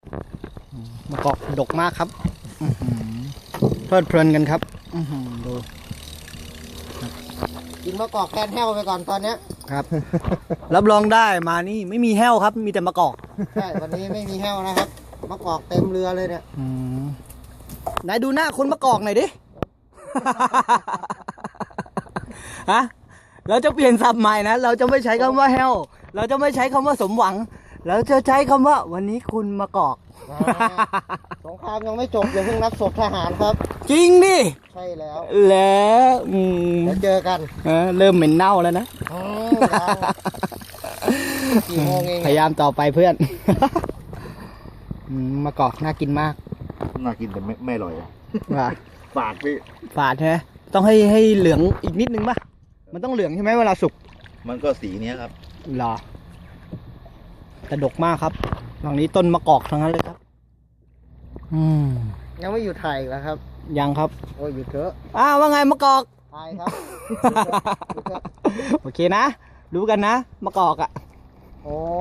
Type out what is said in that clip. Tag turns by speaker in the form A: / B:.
A: มะกอกดกมากครับเพลิดเพลินกันครับดู
B: กินมะกอกแทนแห้วไปก่อนตอนเนี้ย
A: ครับ รับรองได้มานี่ไม่มีแห้วครับ มีแต่มะกอก
B: ใช่วันนี้ไม่มีแห้วนะครับมะกอกเต็มเรือเลยเนี่ย
A: ไหนดูหน้าคนมะกอกหน่อยดิ ฮะเราจะเปลี่ยนศัพท์ใหม่นะ เราจะไม่ใช้คำว่าแห้วเราจะไม่ใช้คำว่าสมหวัง เราจะใช้คำว่าวันนี้คุณมะกอก
B: สงครามยังไม่จบอย่าเพิ่งนับศพทหารครับ
A: จริงดิ
B: ใช่แล้ว
A: แล้ว
B: เดี๋ยวเจอกัน
A: เริ่มเหม็นเน่าแล้วนะ
B: กี่โมงเอง
A: พยายามต่อไปเพื่อน มะกอกน่ากินมาก
C: น่ากินแต่ไม่อร่อย
A: ว่ะ
C: ฝาดพี่
A: ฝาดใช่ไหมต้องให้เหลืองอีกนิดนึงป่ะ มันต้องเหลืองใช่ไหมเวลาสุก
C: มันก็สีเนี้ยครับ
A: หรอแต่ดกมากครับหลังนี้ต้นมะกอกทั้งนั้นเลยครับ
B: ยังไม่หยุดถ่ายอีกแล้วครับ
A: ยังครับ
B: โอ้ยหยุดเถอะ
A: ว่าไงมะกอก
B: ถ่ายครับ
A: โอเคนะ รู้กันนะมะกอกอ่ะ
B: โอ้